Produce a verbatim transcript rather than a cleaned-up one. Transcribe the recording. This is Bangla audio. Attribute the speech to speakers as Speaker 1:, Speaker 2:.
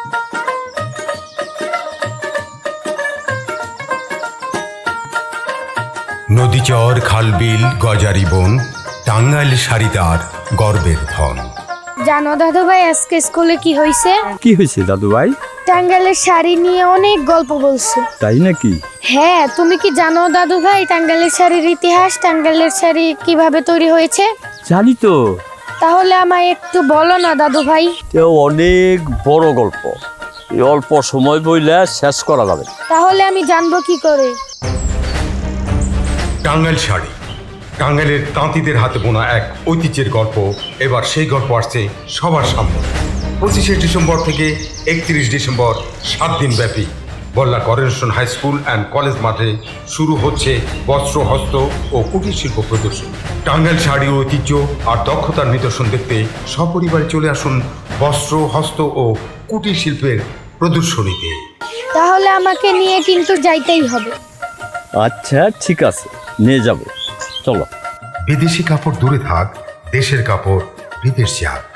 Speaker 1: নদীচর, খালবিল, গজারি বন, টাঙ্গাইল শাড়ি তার গর্বের ধন।
Speaker 2: জানো দাদু ভাই আজকে স্কুলে কি হয়েছে?
Speaker 3: কি হয়েছে দাদু ভাই?
Speaker 2: টাঙ্গাইলের শাড়ি নিয়ে অনেক গল্প বলছে।
Speaker 3: তাই নাকি?
Speaker 2: হ্যাঁ, তুমি কি জানো দাদু ভাই টাঙ্গাইলের শাড়ির ইতিহাস, টাঙ্গাইলের শাড়ি কিভাবে তৈরি হয়েছে?
Speaker 3: জানি তো।
Speaker 2: তাহলে আমায় একটু বলো না দাদু ভাই।
Speaker 3: তেও অনেক বড় গল্প, এই অল্প সময় বইলে শেষ করা যাবে।
Speaker 2: তাহলে আমি জানবো কি করে?
Speaker 1: টাঙ্গাইল শাড়ি, টাঙ্গাইলের তাঁতিদের হাতে বোনা এক ঐতিহ্যের গল্প। এবার সেই গল্প আসছে সবার সামনে। পঁচিশে ডিসেম্বর থেকে একত্রিশ ডিসেম্বর সাত দিন ব্যাপী Balla coronation high school and college মাঠে শুরু হচ্ছে বস্ত্র, হস্ত ও কুটির শিল্প প্রদর্শন। টাঙ্গাইল শাড়ির ঐতিহ্য আর দক্ষতার নিদর্শন দেখতে সপরিবারে চলে আসুন বস্ত্র, হস্ত ও কুটির শিল্পের প্রদর্শনীতে।
Speaker 2: তাহলে আমাকে নিয়ে কিন্তু যাইতেই হবে।
Speaker 3: আচ্ছা ঠিক আছে, নিয়ে যাব, চলো।
Speaker 1: বিদেশি কাপড় দূরে থাক, দেশের কাপড় বিদেশ যাক।